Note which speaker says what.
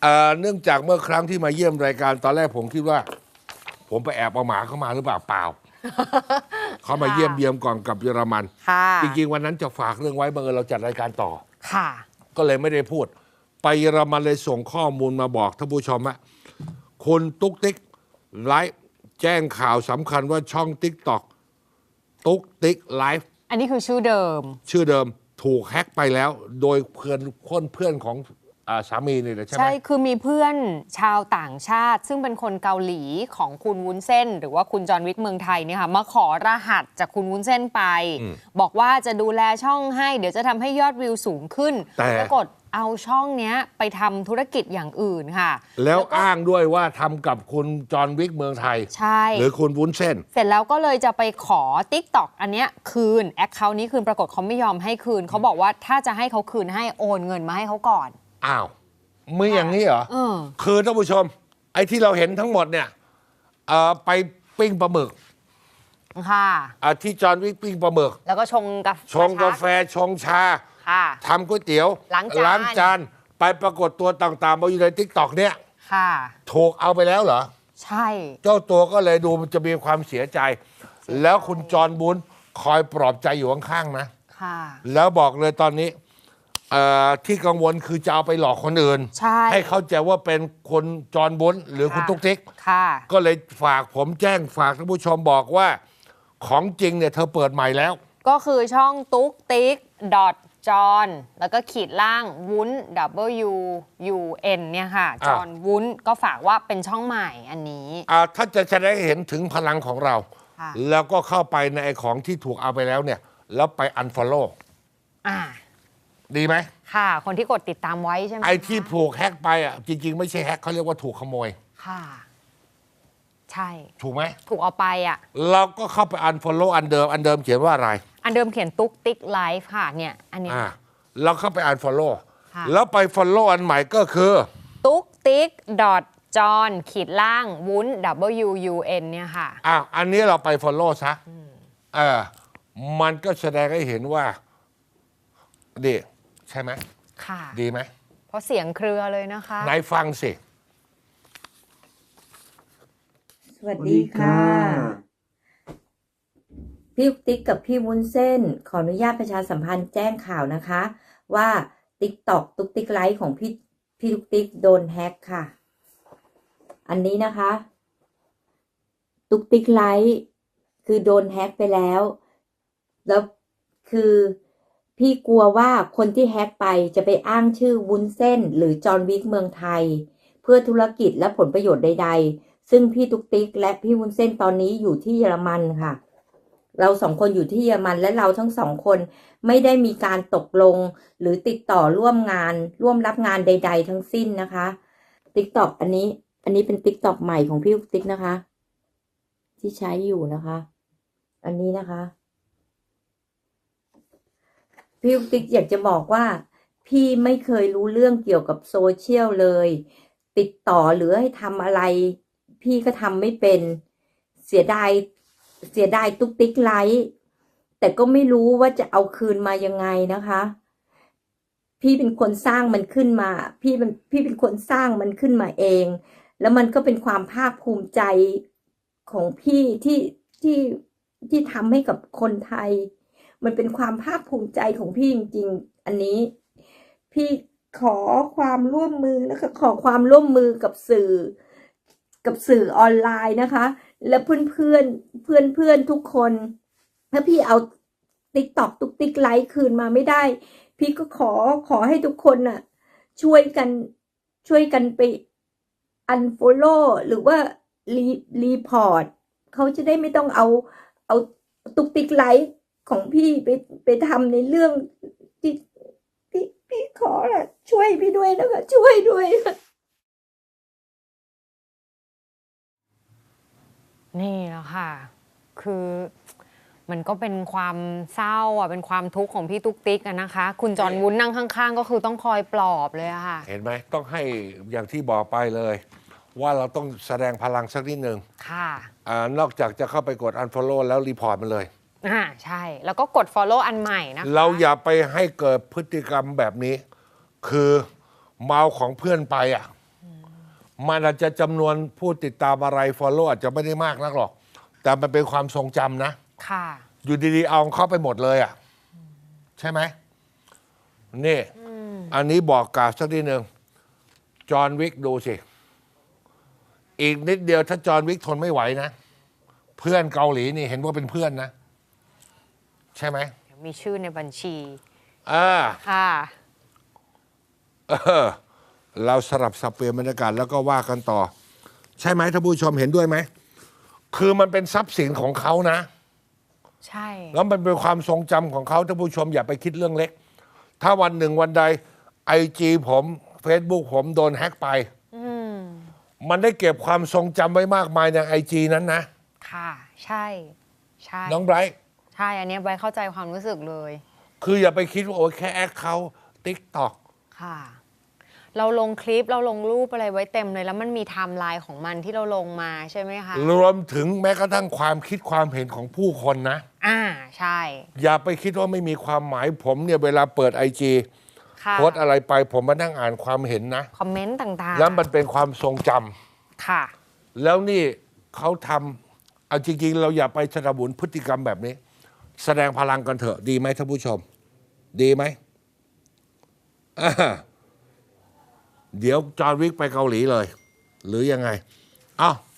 Speaker 1: เนื่องจากเมื่อครั้งที่มาเยี่ยมรายการตอนแรกผมคิดว่า ผมไปแอบเอาหมาเข้ามาหรือเปล่าเปล่า เขามาเยี่ยมเยียมก่อนกับเยอรมันจริงๆวันนั้นจะฝากเรื่องไว้บังเอิญเราจัดรายการต่อ
Speaker 2: ค่ะ
Speaker 1: ก็เลยไม่ได้พูด ไปเยอรมันเลยส่งข้อมูลมาบอกท่านผู้ชมว่าคุณตุ๊กติ๊กไลฟ์แจ้งข่าวสำคัญว่าช่องติ๊กต็อกตุ๊กติ๊กไลฟ์
Speaker 2: อันนี้คือชื่อเดิม
Speaker 1: ถูกแฮ็กไปแล้วโดยเพื่อนของสามีนี่แหละใช่ไหม
Speaker 2: ใช่คือมีเพื่อนชาวต่างชาติซึ่งเป็นคนเกาหลีของคุณวุ้นเส้นหรือว่าคุณจอห์นวิกเมืองไทยเนี่ยค่ะมาขอรหัสจากคุณวุ้นเส้นไปบอกว่าจะดูแลช่องให้เดี๋ยวจะทำให้ยอดวิวสูงขึ้นปรากฏเอาช่องนี้ไปทำธุรกิจอย่างอื่นค่ะ
Speaker 1: แล้วอ้างด้วยว่าทำกับคุณจอห์นวิกเมืองไทย
Speaker 2: ใช่
Speaker 1: หรือคุณวุ้นเส้น
Speaker 2: เสร็จแล้วก็เลยจะไปขอ TikTok อันเนี้ยคืนแอคเคาท์นี้คืนปรากฏเขาไม่ยอมให้คืนเขาบอกว่าถ้าจะให้เขาคืนให้โอนเงินมาให้เขาก่อน
Speaker 1: อ้าวมืออย่างนี้เหรอคือท่านผู้ชมไอ้ที่เราเห็นทั้งหมดเนี่ยไปปิ้งปลาหมึก
Speaker 2: ค่ะ
Speaker 1: ที่จอห์นวิกปิ้งปลาหมึก
Speaker 2: แล้วก็ชง
Speaker 1: กาแฟชงชาทำก๋วยเตี๋ยวล้างจานไปปรากฏตัวต่างๆมาอยู่ในทิกตอกเนี่ยถูกเอาไปแล้วเหรอ
Speaker 2: ใช่
Speaker 1: เจ้าตัวก็เลยดูมันจะมีความเสียใจแล้วคุณจอห์นบุญคอยปลอบใจอยู่ข้างๆนะแล้วบอกเลยตอนนี้ที่กังวลคือจะเอาไปหลอกคนอื่นให้เข้าใจว่าเป็นคนจอห์นบุญหรือคุณตุ๊กติ๊กก็เลยฝากผมแจ้งฝากท่านผู้ชมบอกว่าของจริงเนี่ยเธอเปิดใหม่แล้ว
Speaker 2: ก็คือช่องตุ๊กติ๊กจอนแล้วก็ขีดล่างวุ้น WUN เนี่ยค่ะจอนวุ้นก็ฝากว่าเป็นช่องใหม่อันนี้
Speaker 1: ถ้าจะแสดงให้เห็นถึงพลังของเราแล้วก็เข้าไปในไอ้ของที่ถูกเอาไปแล้วเนี่ยแล้วไป unfollow ดีไหม
Speaker 2: ค่ะคนที่กดติดตามไว้ใช่ไหม
Speaker 1: ไอ้ที่ถูกแฮกไปจริงๆไม่ใช่แฮกเขาเรียกว่าถูกขโมย
Speaker 2: ค่ะใช่
Speaker 1: ถูกไหม
Speaker 2: ถูกเอาไป
Speaker 1: เราก็เข้าไป unfollow อันเดิมเขียนว่าอะไร
Speaker 2: อันเดิมเขียนตุ๊กติ๊กไลฟ์ค่ะเนี่ยอันนี้
Speaker 1: เราเข้าไปunfollow แล้วไป follow อันใหม่ก็คือ
Speaker 2: ตุ๊กติ๊กจอนขีดล่างวุ้น WUN เนี่ยค่ะ
Speaker 1: อันนี้เราไป follow ซะมันก็แสดงให้เห็นว่าดีใช่ไหม
Speaker 2: ค่ะ
Speaker 1: ดีไหม
Speaker 2: เพราะเสียงเครือเลยนะคะ
Speaker 1: ไหนฟังสิ
Speaker 3: สวัสดีค่ะพี่ติ๊กกับพี่วุ้นเส้นขออนุญาตประชาสัมพันธ์แจ้งข่าวนะคะว่า TikTok ตุ๊กติ๊กไลฟ์ของพี่ตุ๊กติ๊กโดนแฮกค่ะอันนี้นะคะตุ๊กติ๊กไลฟ์คือโดนแฮกไปแล้วคือพี่กลัวว่าคนที่แฮกไปจะไปอ้างชื่อวุ้นเส้นหรือจอห์นวิกเมืองไทยเพื่อธุรกิจและผลประโยชน์ใดๆซึ่งพี่ตุ๊กติ๊กและพี่วุ้นเส้นตอนนี้อยู่ที่เยอรมันค่ะเราสองคนอยู่ที่เยอรมันและเราทั้งสองคนไม่ได้มีการตกลงหรือติดต่อร่วมรับงานใดๆทั้งสิ้นนะคะ TikTok อันนี้เป็น TikTok ใหม่ของพี่ตุ๊กนะคะที่ใช้อยู่นะคะอันนี้นะคะพี่ติ๊กอยากจะบอกว่าพี่ไม่เคยรู้เรื่องเกี่ยวกับโซเชียลเลยติดต่อหรือให้ทำอะไรพี่ก็ทำไม่เป็นเสียดายตุ๊กติ๊กไลฟ์แต่ก็ไม่รู้ว่าจะเอาคืนมายังไงนะคะพี่เป็นคนสร้างมันขึ้นมาพี่เป็นคนสร้างมันขึ้นมาเองแล้วมันก็เป็นความภาคภูมิใจของพี่ที่ทำให้กับคนไทยมันเป็นความภาคภูมิใจของพี่จริงๆอันนี้พี่ขอความร่วมมือนะคะขอความร่วมมือกับสื่อออนไลน์นะคะและเพื่อนทุกคนถ้าพี่เอา TikTok ตุ๊กติ๊กไลฟ์คืนมาไม่ได้พี่ก็ขอให้ทุกคนน่ะช่วยกันไป unfollow หรือว่ารีพอร์ตเขาจะได้ไม่ต้องเอาตุ๊กติ๊กไลฟ์ของพี่ไปทำในเรื่องที่พี่ขอช่วยพี่ด้วยนะคะช่วยด้วย
Speaker 2: นี่แหละค่ะคือมันก็เป็นความเศร้าเป็นความทุกข์ของพี่ตุ๊กติ๊กนะคะคุณจอห์นวุ้นนั่งข้างๆก็คือต้องคอยปลอบเลยค่ะ
Speaker 1: เห็นไหมต้องให้อย่างที่บอกไปเลยว่าเราต้องแสดงพลังสักนิดนึง
Speaker 2: ค่ะ
Speaker 1: นอกจากจะเข้าไปกด unfollow แล้วรีพอร์ตมันเลย
Speaker 2: ใช่แล้วก็กด follow อันใหม่นะคะ
Speaker 1: เราอย่าไปให้เกิดพฤติกรรมแบบนี้คือเมาของเพื่อนไปมันอาจจะจำนวนผู้ติดตามอะไร follow อาจจะไม่ได้มากนักหรอก แต่มันเป็นความทรงจำนะ
Speaker 2: ค่ะ
Speaker 1: อยู่ดีๆเอาเข้าไปหมดเลยอ่ะ ใช่ไหมนี่อันนี้บอกกล่าวสักทีหนึ่งจอห์นวิกดูสิ อีกนิดเดียวถ้าจอห์นวิกทนไม่ไหวนะ เพื่อนเกาหลีนี่เห็นว่าเป็นเพื่อนนะ ใช่ไหม
Speaker 2: มีชื่อในบัญชี
Speaker 1: อ่า
Speaker 2: ค่ะ
Speaker 1: เราสลับสับเปลี่ยนบรรยากาศแล้วก็ว่ากันต่อ ใช่ไหมท่านผู้ชมเห็นด้วยไหม คือมันเป็นทรัพย์สินของเขานะ
Speaker 2: ใช่
Speaker 1: แล้วมันเป็นความทรงจำของเขาท่านผู้ชมอย่าไปคิดเรื่องเล็ก ถ้าวันหนึ่งวันใดIG ผม Facebook ผมโดนแฮ็กไป มันได้เก็บความทรงจำไว้มากมายในIG นั้นนะ
Speaker 2: ค่ะ ใช่ ใช่
Speaker 1: น้องไบรท์
Speaker 2: ใช่ อันเนี้ยใบเข้าใจความรู้สึกเลย
Speaker 1: คืออย่าไปคิดว่าโอ้ยแค่แอคเขาติ๊กตอก
Speaker 2: ค่ะ เราลงคลิปเราลงรูปอะไรไว้เต็มเลย แล้วมันมีไทม์ไลน์ของมันที่เราลงมาใช่ไหมคะ
Speaker 1: รวมถึงแม้กระทั่งความคิดความเห็นของผู้คนนะ
Speaker 2: ใช่
Speaker 1: อย่าไปคิดว่าไม่มีความหมายผมเนี่ยเวลาเปิดIG
Speaker 2: ค่ะ
Speaker 1: โพสต์อะไรไปผมมานั่งอ่านความเห็นนะ
Speaker 2: คอมเมนต์ต่างๆ
Speaker 1: แล้วมันเป็นความทรงจำ
Speaker 2: ค่ะ
Speaker 1: แล้วนี่เขาทำเอาจริงๆ เราอย่าไปสนับสนุนพฤติกรรมแบบนี้ แสดงพลังกันเถอะดีไหมท่านผู้ชม ดีไหมอ่าเดี๋ยวจอห์นวิกไปเกาหลีเลย หรือยังไงอ้าว